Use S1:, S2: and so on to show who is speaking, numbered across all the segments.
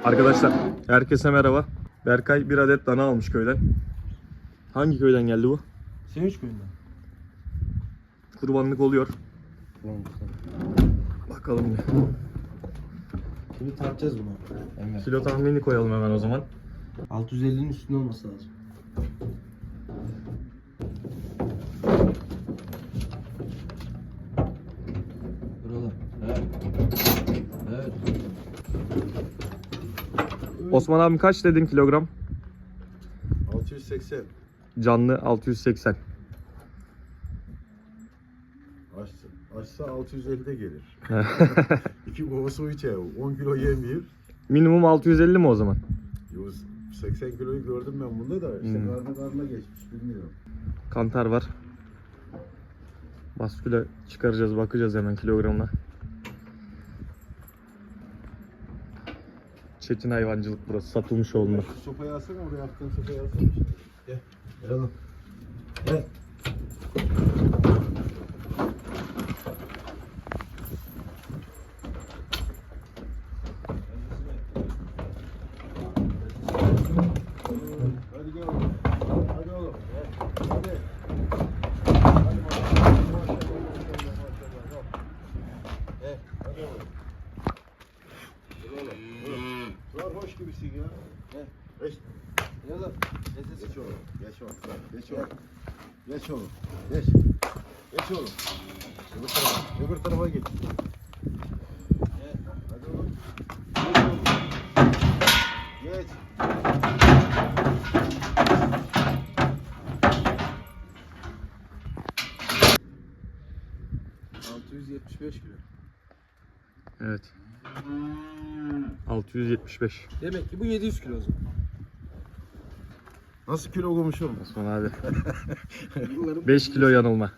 S1: Arkadaşlar herkese merhaba. Berkay bir adet dana almış köyden. Hangi köyden geldi bu?
S2: Sevinç köyünden.
S1: Kurbanlık oluyor. Bakalım.
S2: Şimdi tartacağız bunu. Evet.
S1: Kilo tahmini koyalım hemen o zaman.
S2: 650'nin üstünde olması lazım. Buralar. Evet. Evet.
S1: Osman abim kaç dedin kilogram?
S3: 680.
S1: Canlı 680.
S3: Açsa 650'de gelir. 2 kova su içer. 10 kilo yemiyor.
S1: Minimum 650 mi o zaman?
S3: 80 kiloyu gördüm ben bunda da. İşte karnına geçmiş. Bilmiyorum.
S1: Kantar var. Basküle çıkaracağız, bakacağız hemen kilogramına. Çetin hayvancılık burası, satılmış oğlunda.
S3: Şu sopayı alsana, oraya attığın sopayı alsana. Gel. Gel oğlum. Gel. Hadi gel oğlum. Hadi oğlum. Hadi. Hadi maşallah. Gel. Hadi oğlum. Dur oğlum. Dur. Dur hoş gibisin ya. Gel. Geç. Gel oğlum. Geç oğlum. Geç oğlum. Geç oğlum. Geç oğlum. Geç. Geç oğlum. Öbür tarafa. Öbür tarafa geç. Gel. Hadi oğlum. Geç oğlum. Geç. 675 kilo.
S1: Evet. 675.
S2: Demek ki bu 700 kilo o zaman.
S3: Nasıl kilo koymuşum?
S1: Osman abi. 5 kilo yanılma.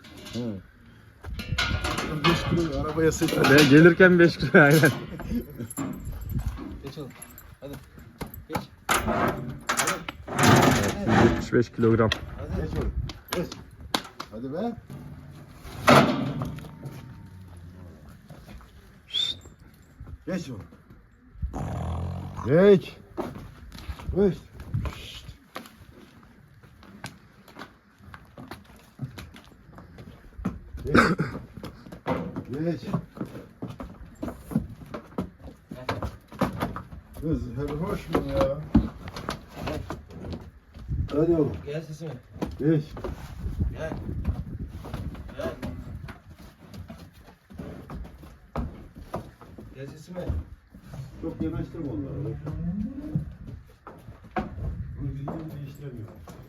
S3: 5 kilo arabaya sıçradı.
S1: Ve gelirken 5 kilo aynen.
S2: Geç oğlum. Hadi. Geç.
S1: 175 kilogram.
S3: Hadi. Geç oğlum. Geç. Hadi be. Geç oğlum. Geç. Geç. Geç. Geç. Kız hadi hoş mu ya? Hadi oğlum.
S2: Gel sesime.
S3: Geç.
S2: Gel. Gel. Gel sesime.
S3: Çok yanaştırma onları. Bu videoyu değiştiremiyor.